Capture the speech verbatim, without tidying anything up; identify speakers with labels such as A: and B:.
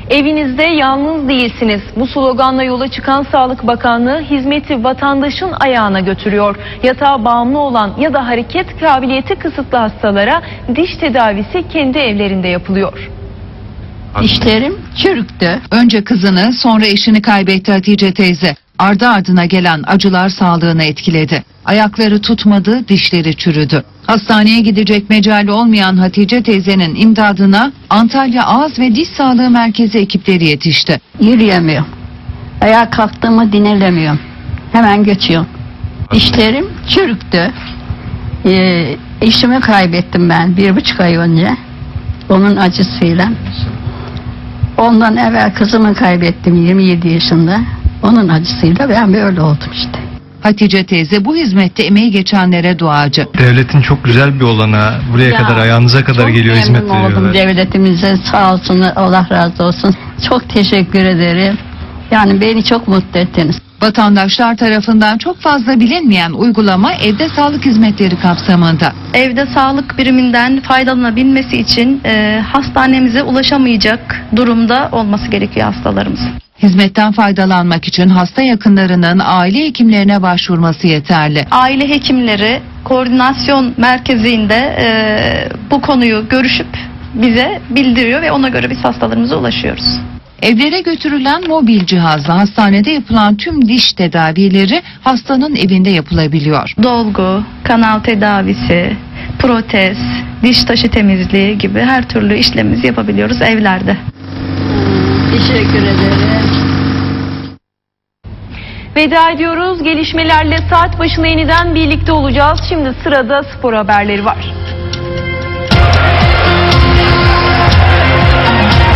A: Evinizde yalnız değilsiniz. Bu sloganla yola çıkan Sağlık Bakanlığı hizmeti vatandaşın ayağına götürüyor. Yatağa bağımlı olan ya da hareket kabiliyeti kısıtlı hastalara diş tedavisi kendi evlerinde yapılıyor.
B: Dişlerim çürüktü.
C: Önce kızını, sonra eşini kaybetti Hatice teyze. Ardı ardına gelen acılar sağlığını etkiledi. Ayakları tutmadı, dişleri çürüdü. Hastaneye gidecek mecali olmayan Hatice teyzenin imdadına Antalya Ağız ve Diş Sağlığı Merkezi ekipleri yetişti.
B: Yürüyemiyorum. Ayağa kalktığımı dinlemiyorum. Hemen göçüyorum. Dişlerim çürüktü. Ee, eşimi kaybettim ben bir buçuk ay önce. Onun acısıyla. Ondan evvel kızımı kaybettim yirmi yedi yaşında. Onun acısıyla ben böyle oldum işte.
C: Hatice teyze bu hizmette emeği geçenlere duacı.
D: Devletin çok güzel bir olanağı. Buraya
B: Ya,
D: kadar, ayağınıza kadar geliyor, hizmet
B: Çok memnun oldum
D: veriyorlar.
B: devletimize, sağ olsun, Allah razı olsun. Çok teşekkür ederim. Yani beni çok mutlu ettiniz.
C: Vatandaşlar tarafından çok fazla bilinmeyen uygulama evde sağlık hizmetleri kapsamında.
E: Evde sağlık biriminden faydalanabilmesi için e, hastanemize ulaşamayacak durumda olması gerekiyor hastalarımız.
C: Hizmetten faydalanmak için hasta yakınlarının aile hekimlerine başvurması yeterli.
E: Aile hekimleri koordinasyon merkezinde e, bu konuyu görüşüp bize bildiriyor ve ona göre biz hastalarımıza ulaşıyoruz.
C: Evlere götürülen mobil cihazla hastanede yapılan tüm diş tedavileri hastanın evinde yapılabiliyor.
E: Dolgu, kanal tedavisi, protez, diş taşı temizliği gibi her türlü işlemimizi yapabiliyoruz evlerde.
B: Teşekkür ederim.
A: Veda ediyoruz. Gelişmelerle saat başına yeniden birlikte olacağız. Şimdi sırada spor haberleri var.